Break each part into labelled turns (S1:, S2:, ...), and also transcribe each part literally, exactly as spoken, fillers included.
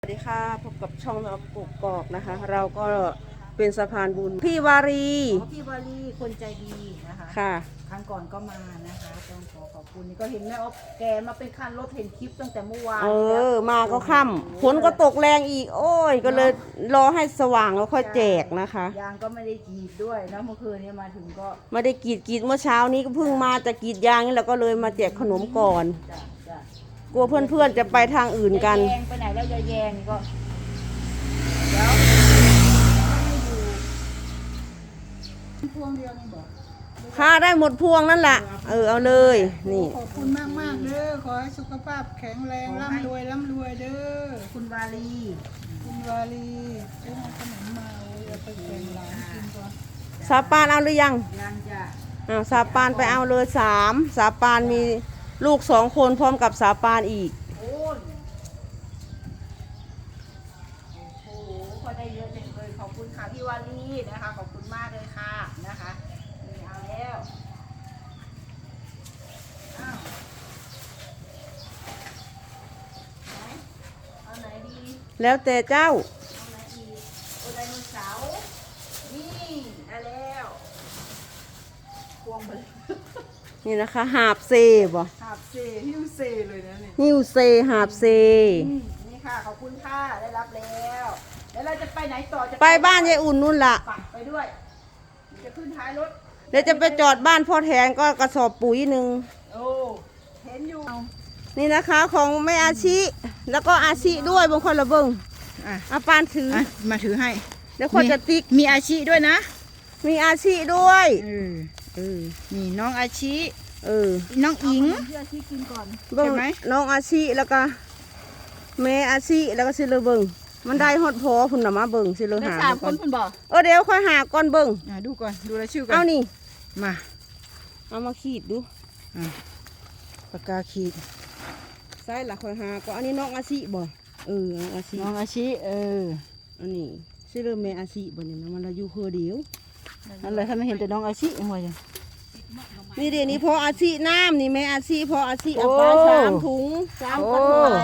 S1: สวัสดีค่ะพบกับช่องเรากกอกนะคะ เราก็เป็นสะพานบุญพี่วารี
S2: อ๋อพี่วารีคนใจดีนะคะ
S1: ค่ะ
S2: ครั้งก่อนก็มานะคะต้องขอขอบคุณนี่ก็เห็นแม่อ๊อฟแกมาเป็นคันรถเห็นคลิปตั้งแต่เมื่อวาน
S1: เอ
S2: แล้ว
S1: อมาก็ค่ำฝนก็ตกแรงอีก โอ้ย ก็เลยรอให้สว่างแล้วค่อยแจกนะคะ
S2: ยางก็ไม่ได้กรีดด้วยนะเมื่อคืนนี้มาถึงก็
S1: ไม่ได้กรีดกรีดเมื่อเช้านี้ก็เพิ่งมาจะกรีดยางนี่แล้วก็เลยมาแจกขนมก่อน
S2: จ้ะจ้ะ
S1: กลัวเพื่อนๆจะไปทางอื่นกัน
S2: ยายแยงไปไหนแล้วยายแยงก็เดี๋ยวพวงเดียวนี่บอก
S1: ค่าได้หมดพวงนั่นแหละเออเอาเลย นี่
S3: ขอบคุณมากมากๆเด้อ ขอให้สุขภาพแข็งแรงร่ำรวยร่ำรวยเด้อ
S2: คุณวารี
S3: คุณวาลีไปเอาขนมมาโอ้ยเอาไปแบ่งหลานกินก่อน
S1: สาปานเอาหรือยัง
S2: ยังจะ
S1: อ้าวสาปานไปเอาเลยสามสาปานมีลูกสองคนพร้อมกับสาปานอีก
S2: โอ้ยโอ้โหพอได้เยอะจังเลยขอบคุณค่ะพี่วารีนะคะขอบคุณมากเลยค่ะนะคะนี่เอาแล้วอ้าวไหนเอาไหนดี
S1: แล้วแต่เจ้า
S2: เอาไหนอีกโอไดโนเสาร์นี่ได้แล้วพวงไปเลย
S1: นี่นะคะหาบเซบ่
S2: หาบเซหิ้วเซเลยนะนี่
S1: นิวเซหาบเซ
S2: อืมนี่ค่ะขอบคุณค่ะได้รับแล้วแล้วเราจะไปไหนต่อจะ
S1: ไปบ้านยายอุ่นนู่นล่ะ
S2: ไปไปด้วยจะขึ้นท้ายรถ
S1: เดี๋ยวจะไปจอดบ้านพ่อแทนก็กระสอบปุ๋ยหนึ่ง
S2: โอ้เห็นอยู่
S1: นี่นะคะของแม่อาชิแล้วก็อาชิด้วยบางคนละเบิ้ง
S2: อ่ะ
S1: อาปานถือ
S2: อ่ะมาถือให้
S1: เดี๋ยวคนจะติ๊ก
S2: มีอาชีด้วยนะ
S1: มีอาชิด้วย
S2: เออ
S1: เออ
S2: นี่น้องอาชี
S1: เออ
S2: น้องอิง
S3: เพื่อที่กินก่อน
S1: เบิ้ง
S2: เห็นไหม
S1: น้องอาชิแล้วก็แม่อาชิแล้วก็สิเลยเบิ้งมันได้ฮอดพอพุ่นน่ะมาเบิ้งสิเลย
S2: ได้
S1: หา
S2: สาม
S1: ก่
S2: คนคุณบอก
S1: เออเดี๋ยวค่อยหาก่อนเบิ้ง
S2: อ่ะดูก่อนดูรายชื่อก่อน
S1: เอานี่
S2: มา
S1: เอามาขีดดู
S2: อ่ะปากกาขีด
S1: ใส่ละค่อยหาก็อันนี้น้องอาชิบ่เออน้องอาชิ
S2: น้องอาชีเออ
S1: อันนี้สิเลยแม่อาชิบ่นี่นะมันละอยู่คือเดียว
S2: นั่นเลยถ้าไม่เห็นแต่น้องอาชีหัวจัง
S1: นี่เดี๋ยวนี้พออาชีน้ำนี่แม่อาชีพออาชีเอา
S2: โอ้
S1: ปลาสามถุงสามกระถาง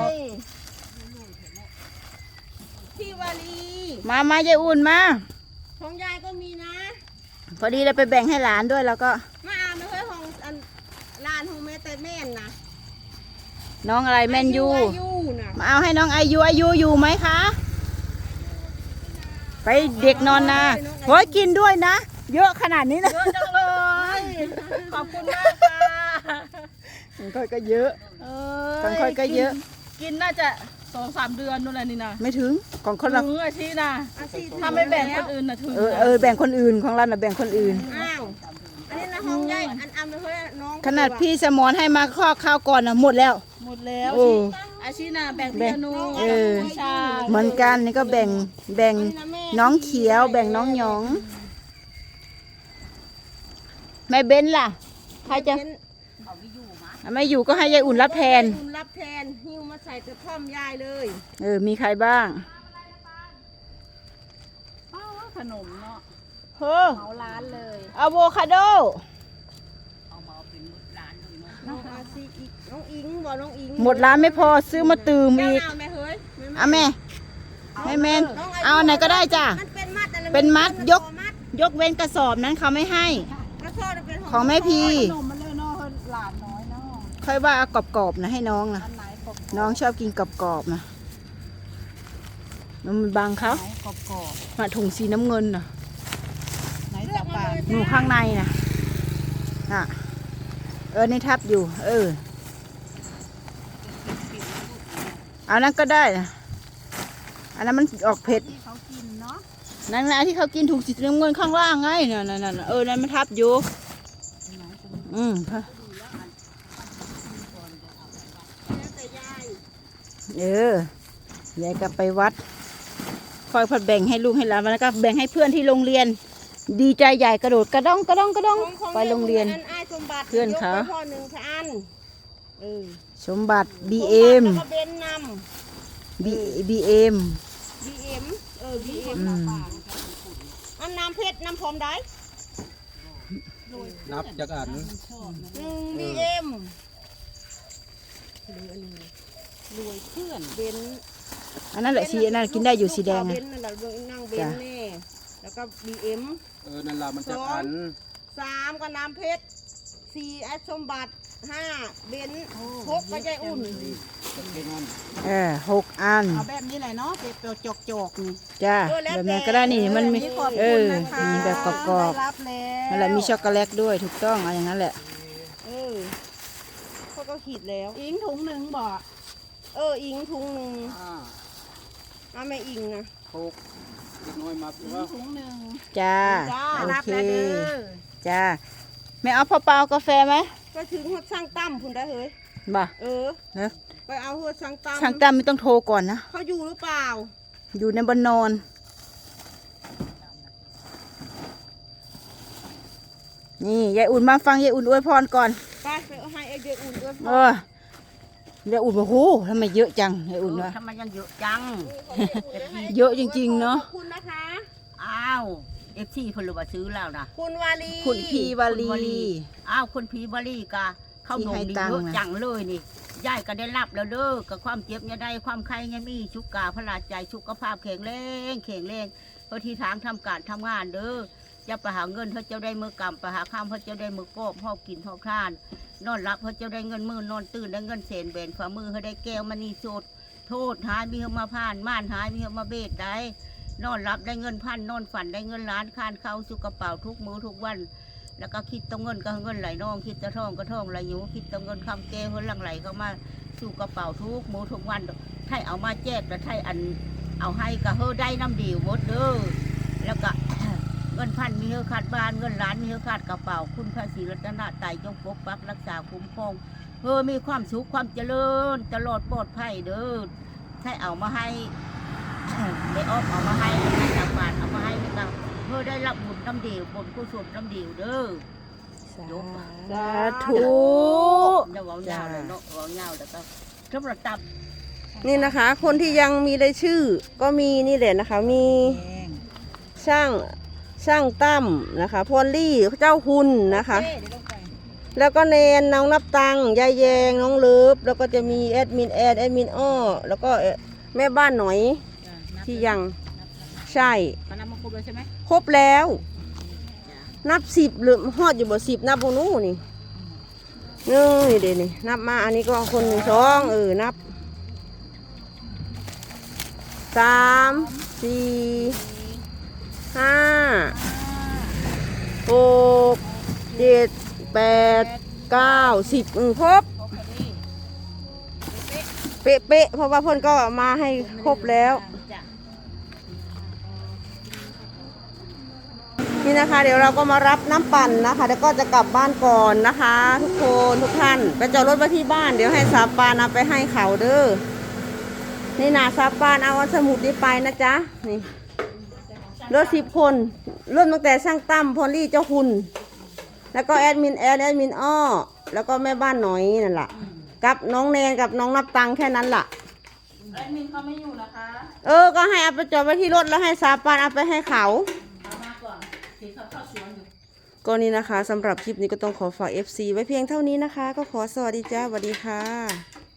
S1: พี่วารี
S2: มามายายอุ่นมา
S1: ของยายก็มีนะ
S2: พอดีเลยไปแบ่งให้หลานด้วยแล้วก็
S1: มาอ่านไม่เคยของอันลานของแม่แต่แม่นนะ
S2: น้องอะไรแมนยู
S1: อายุนะ
S2: มาเอาให้น้องอายุอายุอยู่ไหมคะ ไปเด็กนอนนาโอ้ยกินด้วยนะ เยอะขนาดนี้นะ
S1: เยอะจังเลย ขอบคุณมากค่ะ
S2: ของค่อยก็เยอะ
S1: เอ
S2: ของค่อยก็เยอะ
S1: กินน่าจะสองสามเดือนนู่นแหละนี่นะ
S2: ไม่ถึงของคนละ
S1: ถึงอาชีนะ
S3: อาชีพ
S1: ถ้าไม่แบ่งคนอื่นนะถึง
S2: เออเออแบ่งคนอื่นของเราน่ะแบ่งคนอื่น
S1: อ้าวอันนี้นะห้องใหญ่อันอันไม่เคยน้อง
S2: ขนาดพี่สมอนให้มาข้อข้าวก่อนน่ะหมดแล้ว
S1: หมดแล้ว
S2: โอ้
S1: อาชีนะแบ่ง
S2: แบ่
S1: พี่
S2: ง
S1: อนุ
S2: เออ
S1: พี่ชา
S2: เหมือนกันนี่ก็แบ่งแบ่งน้องเขียว แบ่งน้องหยอง แม่เบ้นล่ะใครจะไม่อยู่ก็ให้ยายอุ่นรับแทน
S1: คุณรับแทนหิ้วมาใส่กระท่อมยายเลย
S2: เออมีใครบ้าง
S1: ขนมเนาะ
S2: เฮ้อ
S1: เหมาร้านเลย
S2: อะโวคาโด
S1: น้องอาซีอีกน้องอิงบอกน้องอิง
S2: หมดร้านไม่พอซื้อมาตื่ม
S1: เจ้า
S2: อีก
S1: เอาไหมเฮ้ย
S2: เอาแม่แม่แมนเอาไหนก็ได้จ้ะ
S1: มันเป็นมัดอะไร
S2: เป็นมัดยก
S1: มัด
S2: ยกเว้นกระสอบนั้นเขาไม่ให้
S1: กระสอบเป็น
S2: ของแม่พี
S3: ขนมมันเลยเนาะหลานน้อยเนาะ
S2: ค่อยว่าเอากรอบๆนะให้น้องนะ
S3: อันไหนกรอบ
S2: น้องชอบกินกรอบๆนะมันบางเขา
S3: ไหนกรอบกรอบ
S2: มาถุงสีน้ำเงินน่ะ
S3: ไหนตาปาน
S2: หนูข้างในนะน่ะเออนี่ทับอยู่ เออเอานั้นก็ได้นะอันนั้นมันออกเผ็ด
S3: ที่เขากินเนาะ
S2: นั่นนะที่เขากินถุงสีน้ำเงินข้างล่างไงนั่นนั่นนั่นเออนั่นมันทับอยู่อืมเออยายก็ไปวัดคอยผัดแบ่งให้ลูกให้หลานแล้วก็แบ่งให้เพื่อนที่โรงเรียน ดีใจใหญ่กระโดดกระด้องกระด้องกระด้องไปโรงเรียน
S1: อันอ้ายสมบัติ
S2: เพื่อนเขา
S1: ยกไปพ่อหนึ่งพันเออ
S2: สมบัติ บี เอ็ม
S1: แล้วก็เบนน
S2: บี บี เอ็ม
S1: ำบีเอ็มเออบีเอ็ม
S2: อืม
S1: อันน้ำเพชรน้ำพร้อมได้
S4: นับจากอัน
S1: หนึ่งบีเอ็มรวยเพื่อนเบน
S2: อันนั้นแหละสีอันนั้นกินได้อยู่สีแดง
S1: เบ
S2: อะ
S1: นซ์นั่นแหละเบิ่งนั่งเบน
S2: จ้ะ
S1: ซ์แน่แล้วก็บีเอ็ม
S4: เออนั่นล่ะมันจะพัน
S1: สามก็น้ำเพชรสี่แอดสมบัติห้าเบนซ์หกก็ใจอุ่น
S4: จะเป็นนั่น
S2: เออหกอัน
S3: เอาแบบนี้แหละเนาะเป็นตัวจอกๆนี่
S2: จ้า
S1: เออแล้ว
S2: แบบ
S1: แต่
S2: นั้นก็ได้นี่มันมี
S3: ขอบ
S2: เอ
S3: คุณ
S2: อ
S3: นะคะ
S2: มีแบบกรอบ
S3: ได้รับแล้ว
S2: ๆนั่นแหละมีช็อกโกแลตด้วยถูกต้องเอาอย่างนั้นแหละ
S1: เออเขาก็ขีดแล้ว
S3: อิงถุงหนึ่งบ่
S1: เอออิงทุงหนึ่ง
S4: ห้า
S1: เอาแม่อิงนะ
S4: หกเล็กน้อยมา
S3: อิ
S4: ว่าง
S3: ถุงหนึ่ง
S2: จ้า
S1: จ้า
S2: โอ
S1: รับ
S2: เค
S1: แล้วเด้อ
S2: จ้าแม่เอาพอเปล่ากาแฟไหม
S1: ก็ถึงหัวช่างตั้มพุ่นได้เฮ้ย
S2: บ่
S1: เออ
S2: เนอะ
S1: ไปเอาหัวช่างตั้ม
S2: ช่างตั้มไม่ต้องโทรก่อนนะ
S1: เขาอยู่หรือเปล่า
S2: อยู่ในบนนอน นี่ยายอุ่นมาฟังยายอุ่นอวยพรก่อน
S1: ไปไปเอาให้ไอเดียอุ่นด้วย
S2: เออยายอุ่นบอกโหทำไมเยอะจังยายอุ่นวะ
S5: ทำไมยังเยอะจัง
S2: เยอะจริงๆเนอะ
S1: ขอบคุณนะคะ
S5: อ้าวเอฟซีเพนรู้ว่าซื้อแล้วนะ
S1: คุณวาลี
S2: คุณพีวาลี
S5: อ้าวคนผีบรีกะเข้า
S2: ที่
S5: ดง
S2: ให้
S5: ดี
S2: ตังค์
S5: เยอะ
S2: นะ
S5: จังเลยนี่ยายก็ได้รับแล้วเด้อกับความเจ็บเนี่ยได้ความไข้เนี่ยมีชุกกาพลาดใจสุขภาพแข็งแรงแข็งแรงเพื่อที่ทางทำการทำงานเด้อจะไปหาเงินเขาเจ้าได้มือกำไปหาข้ามเขาเจ้าได้มือกบหอบกินหอบทาน นอนรับเขาเจ้าได้เงินมือนอนตื่นได้เงินเศนเบนฝ่ามือเขาได้แก้วมันนี่สดโทษหายมีเขามาผ่านม่านหายมีเขามาเบ็ดได้ นอนรับได้เงินพันนอนฝันได้เงินล้านคานเข้าสู่กระเป๋าทุกมื้อทุกวัน แล้วก็คิดต้องเงินก็เงินไหลนองคิดจะท่องก็ท่องไหลอยู่คิดต้องเงินคำแก้วเฮือนหลังไหลเข้ามาสู่กระเป๋าทุกมื้อทุกวันไทยเอามาแจกแล้วไทยอันเอาให้ก็เฮอได้น้ำดีหมดเด้อแล้วก็ เงินพันมีเฮอขาดบ้านเงินล้านมีเฮอขาดกระเป๋าคุณพระศรีรัตนตรัยจงปกปักรักษาคุ้มครองเฮอมีความสุขความเจริญตลอดปลอดภัยเด้อไทยเอามาให้ ได้ออกเอามาให้ได้จากบ้านเอามาให้นี่ก็เพื่อได้รับบุญน้ำเดียวบุญกุศลน้ำเดียวเด้อ
S2: สาธุ
S5: เดี๋ยวเอาเงาเลยเนาะเอาเงาแล้วก็สำหรับตับ
S1: นี่นะคะ คนที่ยังมีรายชื่อ ก็มีนี่แหละนะคะ มีช่างช่างตั้มนะคะพอลลี่เจ้าคุณนะคะ แล้วก็เนนน้องนับตังยายแยงน้องเลิฟแล้วก็จะมีแอดมินแอดแอดมินอ้อแล้วก็แม่บ้านหน่อยที่ยังใช่
S5: คณะมงคลเลยใช่ไหม
S1: ครบแล้ว นับสิบหรือฮอดอยู่บ่สิบนับโบนู้นี่เนื้อนี่เดี๋ยวนี่นับมาอันนี้ก็คนหนึ่งสองเออนับสามสี่ห้าหกเจ็ดแปดเก้าสิบอือครบเป๊ะเป๊ะๆเพราะว่าเพ่นก็มาให้ครบแล้ว
S5: จ้ะ
S1: นี่นะคะ เดี๋ยวเราก็มารับน้ำปั่นนะคะแล้วก็จะกลับบ้านก่อนนะคะ ทุกคนทุกท่านไปจอดรถไว้ที่บ้านเดี๋ยวให้สาปานเอาไปให้เขาเด้อนี่นาสาปานเอาสมุดนี้ไปนะจ๊ะนี่รถสิบคนเริ่มตั้งแต่ช่างตั้มพอลลี่เจ้าคุณ แล้วก็แอดมินแอดแอดมินอ้อแล้วก็แม่บ้านหน่อยนั่นแหละกับน้องแนนกับน้องนับตังค์แค่นั้นล่ะ
S3: แอดมินเขาไม่อยู่นะคะ
S1: เออก็ให้เอาไปจอดไว้ที่รถแล้วให้สาปานเอาไปให้เขา
S3: เอามาก่อนเห็นเขาเข้าสวนอยู่
S1: ก็นี่นะคะสำหรับคลิปนี้ก็ต้องขอฝาก เอฟ ซี ไว้เพียงเท่านี้นะคะ ก็ขอสวัสดีจ้าสวัสดีค่ะ